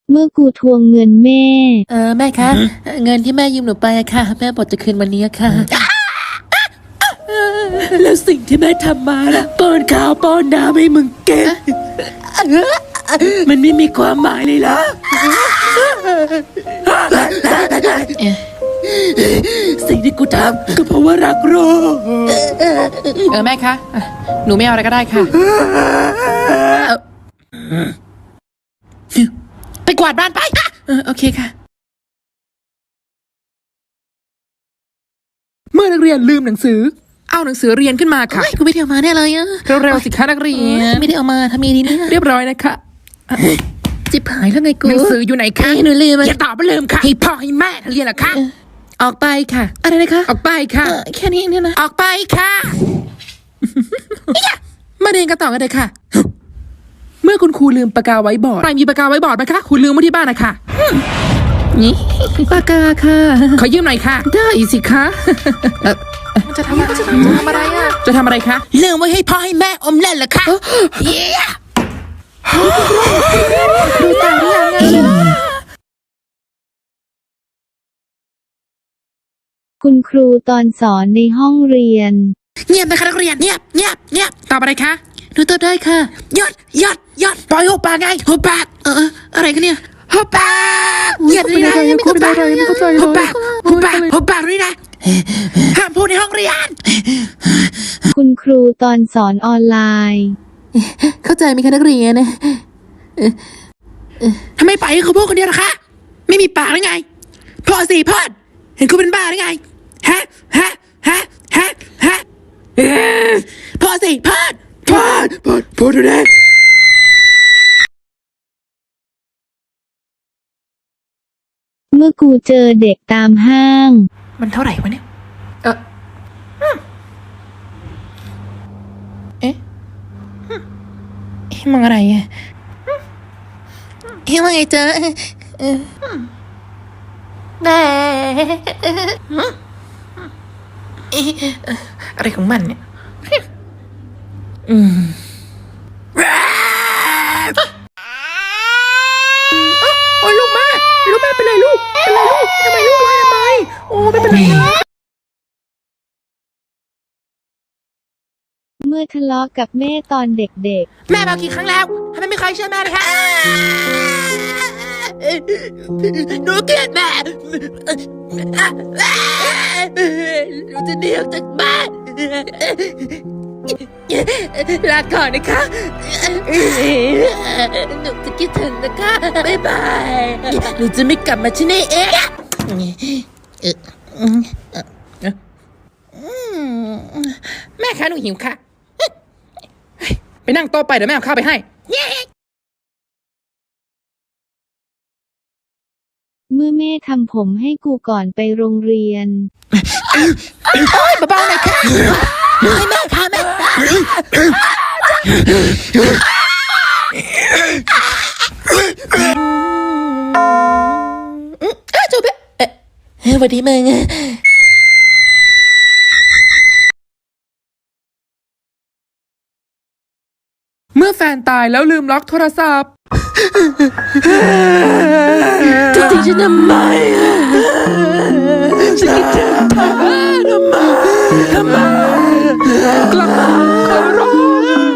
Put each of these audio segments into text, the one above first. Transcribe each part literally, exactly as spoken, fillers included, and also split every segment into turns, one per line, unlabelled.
เมื่อกูทวงเงินแม่
เออแม่คะเงินที่แม่ยืมหนูไปอะค่ะแม่บอกจะคืนวันนี้อะค่ะแล้วสิ่งที่แม่ทำมาล่ะป้อนข้าวป้อนน้ำให้มึงเก็บมันไม่มีความหมายเลยล่ะสิ่งที่กูทำก็เพราะว่ารักโรคเออแม่คะหนูไม่เอาอะไรก็ได้ค่ะไปกวาดบ้านไปเออโอเคค่ะเมื่อนักเรียนลืมหนังสือเอาหนังสือเรียนขึ้นมาค่ะกูไม่ได้เอามาแน่เลยอะเร็วๆสิคะนักเรียนไม่ได้เอามาทำยังไงดีเนี่ยเรียบร้อยนะคะจิบหายแล้วไงกูหนังสืออยู่ไหนคะหนูลืมอย่าตอบว่าลืมค่ะให้พ่อให้แม่เรียนเหรอคะออกไปค่ะอะไรนะคะออกไปค่ะแค่นี้เนี่ยนะออกไปค่ะมาเรียนกันต่อกันเลยค่ะเมื่อคุณครูลืมปากกาไว้บอร์ดใครมีปากกาไว้บอร์ดไหมคะคุณลืมไว้ที่บ้านนะคะนี่ปากกาค่ะขอยืมหน่อยค่ะได้สิคะจะทำอะไรจะทำอะไรอ่ะจะทำอะไรคะลืมไว้ให้พ่อให้แม่อมเล่นเหรอคะเย้ดูตาหรือยังไง
คุณครูตอนสอนในห้องเรียน
เงียบนะคะนักเรียนเงียบเงียบเงียบตอบอะไรคะดูตอบได้ค่ะยอดยอดยอดปล่อยหัวปากไงหัวปากเอออะไรกันเนี่ยหัวปากเงียบเลยนะหัวปากหัวปากหัวปากหัวปากนี่นะห้ามพูดในห้องเรียน
คุณครูตอนสอนออนไลน์
เข้าใจไหมคะนักเรียนทำไมไปเขาพูดคนเดียวล่ะคะไม่มีปากหรือไงพ่อสี่พ่อเห็นคุณเป็นบ้าหรือไงฮะฮะฮะฮะฮะพ่อสี่พ่อพ่อพ่อพ่อดูแล
เมื่อกูเจอเด็กตามห้าง
มันเท่าไหร่วะเนี่ยเออเอ๊ะเอ๊ะมองอะไรอ่ะเอ๊ะว่าไงเจอแม่อะไรของมันเนี่ยอืมโอ้ยลูกแม่ลูกแม่เป็นไรลูกเป็นไรลูกทำไมลูกร้องทำไมโอ้ไม่เป็นไรนะ
เมื่อทะเลาะกับแม่ตอนเด็ก
ๆแม่บอกกี่ครั้งแล้วทำไมไม่เคยเชื่อแม่เลยคะหนูเกลียดแม่หนูจะเดียวจากบ้านลาก่อนนะคะหนูจะคิดถึงนะคะบ๊ายบายหนูจะไม่กลับมาที่นี่เองแม่คะหนูหิวค่ะไปนั่งโต๊ะไปเดี๋ยวแม่เอาข้าวไปให้
เมื่อแม่ทำผมให้กูก่อนไปโรงเรียน
โอ้ยเบาๆหน่อยค่ะให้แม่ค่ะแม่จูบเอ๊ะสวัสดีมึงเมื่อแฟนตายแล้วลืมล็อกโทรศัพท์จะทิ้งฉันทำไมฉันคิดถึงเธอทำไมทำไมกลับมาขอร้อง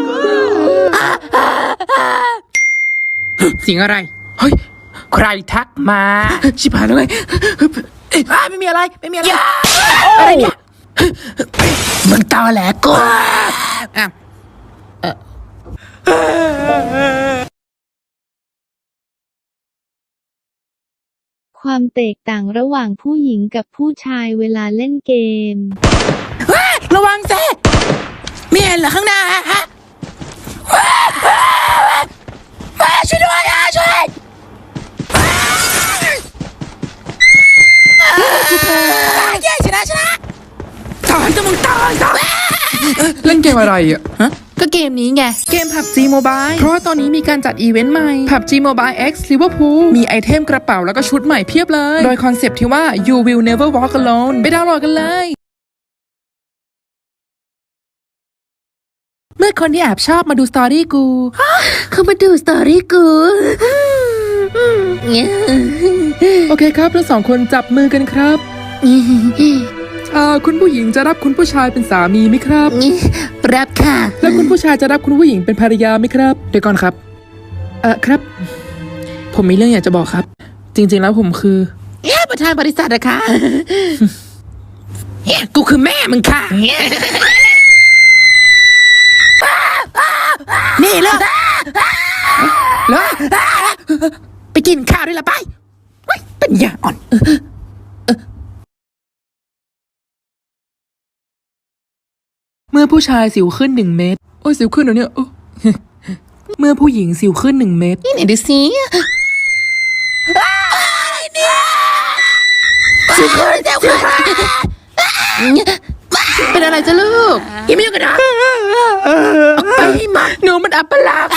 เสียงอะไรเฮ้ยใครทักมาชิบหายแล้วไงเอ้ยไม่มีอะไรไม่มีอะไรอะไรเนี่ยมึงตอแหลกูอ้าว
ความแตกต่างระหว่างผู้หญิงกับผู้ชายเวลาเล่นเกม
ระวังเซ่ไม่เห็นเหรอข้างหน้าฮะช่วยด้วยอ่ะช่วยเย้ชนะชนะตายจะมึงตายซะเล่นเกมอะไรอ่ะฮะก็เกมนี้ไงเกม พับจี Mobile เพราะว่าตอนนี้มีการจัดอีเวนต์ใหม่ พับจี Mobile X Liverpool มีไอเทมกระเป๋าแล้วก็ชุดใหม่เพียบเลยโดยคอนเซปต์ที่ว่า you will never walk alone ไปดาวน์โหลดกันเลยเมื่อคนที่แอบชอบมาดูสตอรี่กูเขามาดูสตอรี่กูโอเคครับทั้งสองคนจับมือกันครับอ่าคุณผู้หญิงจะรับคุณผู้ชายเป็นสามีไหมครับ
รับค่ะ
แล้วคุณผู้ชายจะรับคุณผู้หญิงเป็นภรรยาไหมครับเดี๋ยวก่อนครับเออครับ ผมมีเรื่องอยากจะบอกครับ จริงๆแล้วผมคือ
เอ๊ะประธานบริษัทอะค่ะเอ๊ะกูคือแม่มึงค่ะนี่เลิกเลิกไปกินข้าวด้วยละไปเฮ้ยปัญญาอ่อน
เมื่อผู้ชายสิวขึ้นหนึ่งเมตรโอ้ยสิวขึ้นเดี๋ยวนี้โอ้ เมื่อผู้หญิงสิวขึ้นหนึ่งเมตร
นี่ไหนดูสิสิวขึ้นสิวขึ้นเป็นอะไรจ้ะลูกยังไม่ยุ่งกันเหรอออกไปให้หมด
หนูมันอัปลักษณ์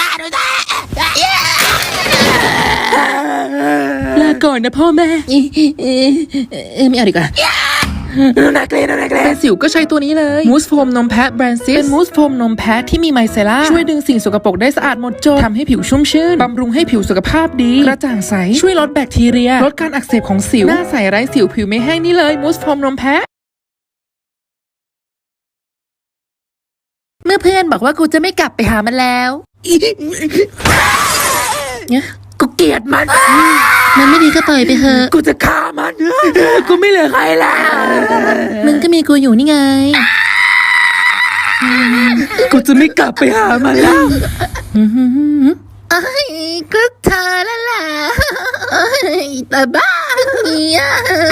ลาก่อนนะพ่อแม่
ไม่เอาดีกว่านักเล่นนักเล่
เป็น นสิวก็ใช้ตัวนี้เลยมูสโฟมนมแพะแบรนซิสเป็นมูสโฟมนมแพะที่มีไมเซล่าช่วยดึงสิ่งสกปรกได้สะอาดหมดจดทำให้ผิวชุ่มชื่นบำรุงให้ผิวสุขภาพดีกระจ่างใสช่วยลดแบคทีเรียลดการอักเสบของสิวหน้าใสไร้สิวผิวไม่แห้งนี่เลยมูสโฟมนมแพะ
เมื่อเพื่อนบอกว่ากูจะไม่กลับไปหามันแล้วเนี่ยกูเกลียดมันมันไม่ดีก็ปล่อยไปเถอะกูจะฆ่ามันกูไม่เหลือใครแล้วมึงก็มีกูอยู่นี่ไงกูจะไม่กลับไปหามันแล้วไอ้ก็เธอแล้วล่ะแต่บ้าเนี่ย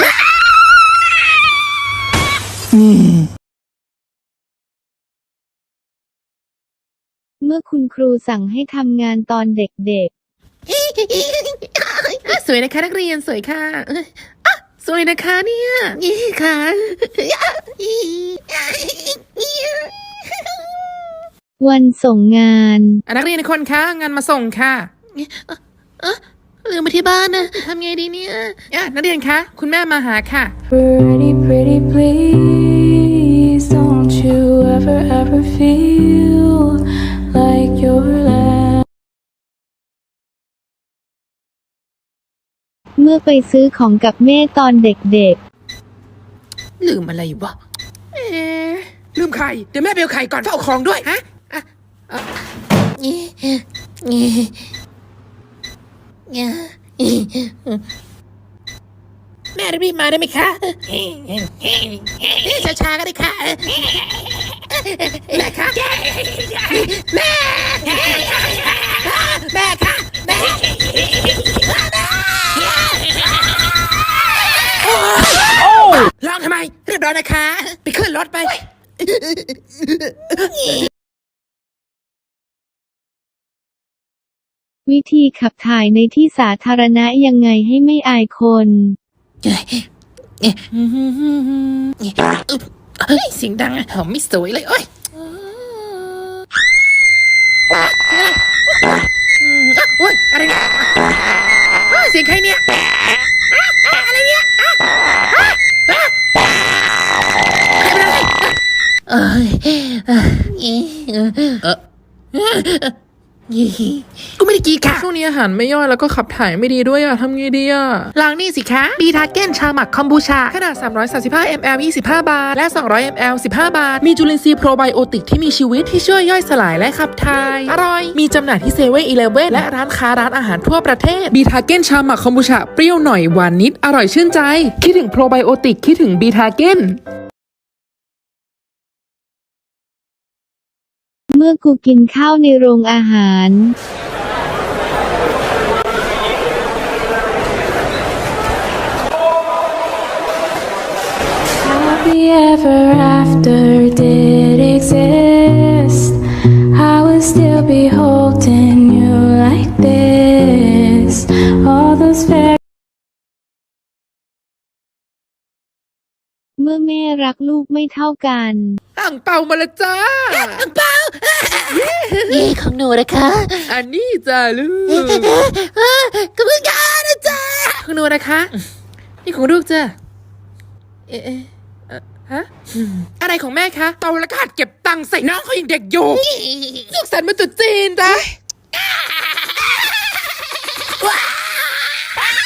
เมื่อคุณครูสั่งให้ทำงานตอนเด็กๆ
สวยนะคะนักเรียนสวยค่ะอ่ะสวยนะคะเนี่ยนี่ค่ะ
วันส่งงาน
อ่ะนักเรียนทุกคนคะงานมาส่งค่ะ
ลืมไปที่บ้านนะทำไงดีเนี่ย
อ่ะนักเรียนคะคุณแม่มาหาค่ะ
Pretty, pretty, please don't you ever, ever feel like you're last.
เมื่อไปซื้อของกับแม่ตอนเด็ก
ลืมอะไรวะ
เอ๊ะลืมไข่เดี๋ยวแม่ไปเอาไข่ก่อนเฝ้าของด้วยฮะ
แม่รีบมาได้ไหมคะช้าๆก็ได้ค่ะแม่คะแม่แม่คะแม่ร้องทำไมเรียบร้อยนะคะไปขึ้นรถไป
ๆ วิธีขับถ่ายในที่สาธารณะยังไงให้ไม่อายคน
เฮ้ยเสียงดังอะหอมไม่สวยเลยโอ้ยโอ้ยอะไรเนี่ยเสียงใครเนี่ยอะไรเนี่ยเอ้ยกูไม่ได้กีค่ะ
ช่วงนี้อาหารไม่ย่อยแล้วก็ขับถ่ายไม่ดีด้วยอะทำไงดีอะ
ลองนี่สิคะบีทาเก้นชาหมักคอมบูชา
ขนาดสามร้อยสามสิบห้ามิลลิลิตร ยี่สิบห้า บาท และ สองร้อยมิลลิลิตร สิบห้า บาท มีจุลินทรีย์โปรไบโอติกที่มีชีวิตที่ช่วยย่อยสลายและขับถ่าย อร่อย มีจำหน่ายที่เซเว่นอีเลฟเว่นและร้านค้าร้านอาหารทั่วประเทศ บีทาเก้นชาหมักคอมบูชา เปรี้ยวหน่อยหวานนิด อร่อยชื่นใจ คิดถึงโปรไบโอติกคิดถึงบีทาเก้น
เมื่อกูกินข้าวในโรงอาหาร
Happy ever after did exist. I would still be holding you like this. All those fairy
เมื่อแม่รักลูกไม่เท่ากัน
อ่างเปามาละจ้า
นี่ของหนูนะคะ
อันนี้จ้าลูก
ก็เพิ่งยานะจ๊ะ
ของหนูนะคะ นี่ของลูกจ้ะเอ๊ะเอ๊ะเอ่อฮะ อะไรของแม่คะโตแล้วก็หัดเก็บตังค์ใส่น้องเขายังเด็กอยู่สุขสันต์วันตรุษจีนจ้ะ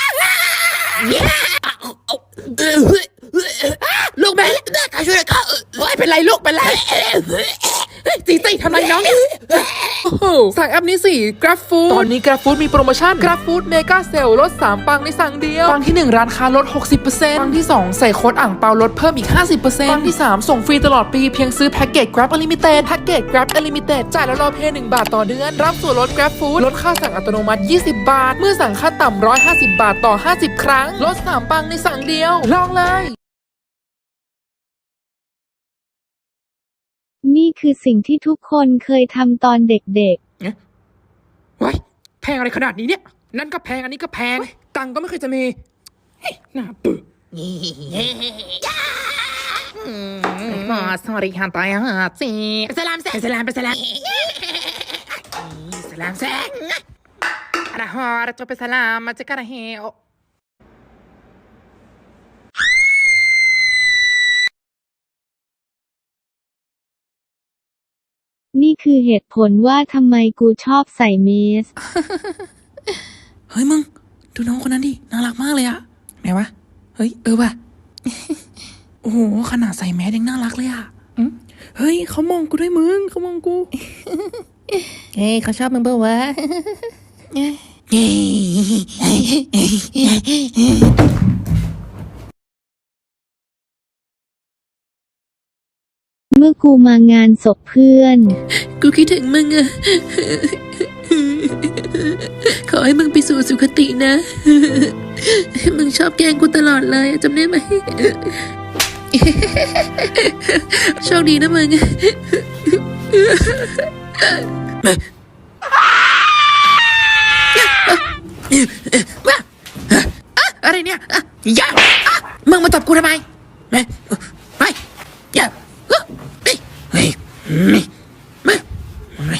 ลูกแม่ข้าช่วยข้าโอ้ยเป็นไรลูกเป็นไรตีตีทำไรน้องเนี่ย
สั่งแอปนี้สิ Grab Food ตอนนี้ Grab Food มีโปรโมชั่น Grab Food Mega Sale ลดสามปังในสั่งเดียว ปังที่หนึ่งร้านค้าลด หกสิบเปอร์เซ็นต์ ปังที่สองใส่โค้ดอ่างเปาลดเพิ่มอีก ห้าสิบเปอร์เซ็นต์ ปังที่สามส่งฟรีตลอดปีเพียงซื้อแพ็กเกจ Grab Unlimited แพ็กเกจ Grab Unlimited จ่ายแล้วรอเพย์หนึ่งบาทต่อเดือน รับส่วนลด Grab Food ลดค่าสั่งอัตโนมัติ ยี่สิบบาท เมื่อสั่งค่าต่ำหนึ่งร้อยห้าสิบบาทต่อ ห้าสิบ ครั้ง ลดสามปังในสั่งเดียว ลองเลย
นี่คือสิ่งที่ทุกคนเคยทำตอนเด็ก
ว้ายแพงอะไรขนาดนี้เนี่ย นั่นก็แพงอันนี้ก็แพง ตังค์ก็ไม่เคยจะมีเฮ้ยน่าเบื่อ
อ๋อ sorry ฮันตายฮะสิสลามแซงสลามไปสลามสลามแซงอะฮอร์จะไปสลามมาจะกระเฮโอ
ๆ นี่คือเหตุผลว่าทำไมกูชอบใส่เมส
เฮ้ยมึง ดูน้องคนนั้นดิ น่ารักมากเลยอะไหนวะ เฮ้ย เออว่ะ โอ้โห ขนาดใส่แมสยังน่ารักเลยอะเฮ้ย เขามองกูด้วยมึง เขามองกู
เฮ้ยเขาชอบมึงเปล่าวะ
เมื่อกูมางานศพเพื่อน
กูคิดถึงมึงอะขอให้มึงไปสู่สุคตินะ มึงชอบแกล้งกูตลอดเลยจำได้ไหม โชคดีนะมึง อะไรเนี่ยอย่ามึงมาตบกูทำไมไปไปอย่าเฮ้ยมามา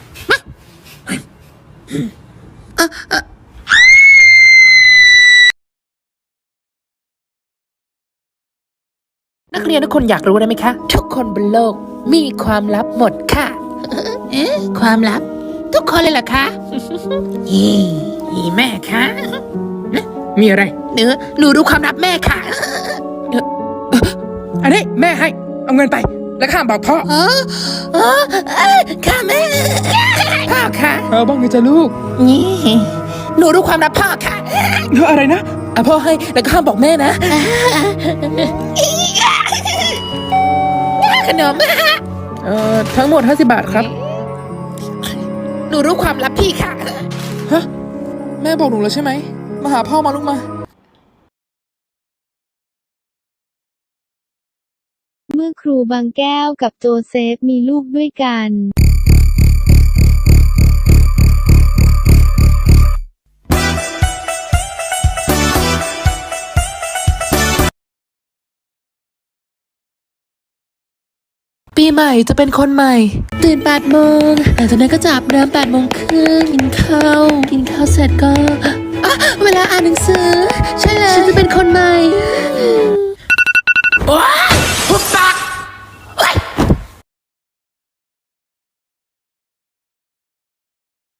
นักเรียนทุกคนอยากรู้ได้ไหมคะ ทุกคนบนโลกมีความลับหมดค่ะ เอ๊ะความลับ ทุกคนเลยเหรอคะอีอีแม่คะมีอะไรเนื้อหนูรู้ความลับแม่ค่ะ
อันนี้แม่ให้ เอาเงินไป แล้วข้ามบอกพ่อ
อ๋ออ๋อค่ะแม่พ่อค่ะ
เอาบ้างไงจ้ะลูก
นี่หนูรู้ความลับพ่อค่ะ
เฮ้ยอะไรนะอ่ะพ่อให้ แล้วก็ห้ามบอกแม่นะ
ขนม
เอ่อ ทั้งหมดห้าสิบบาทครับ
หนูรู้ความลับพี่ค่ะ
ฮะ แม่บอกหนูแล้วใช่ไหม มาหาพ่อมาลูกมา
เมื่อครูบางแก้วกับโจเซฟมีลูกด้วยกัน
ปีใหม่จะเป็นคนใหม่
ตื่นแปดโมงหลังจากนั้นก็จับน้ำแปดโมงครึ่งกินข้าว กินข้าวเสร็จก็อ่ะเวลาอ่านหนังสือ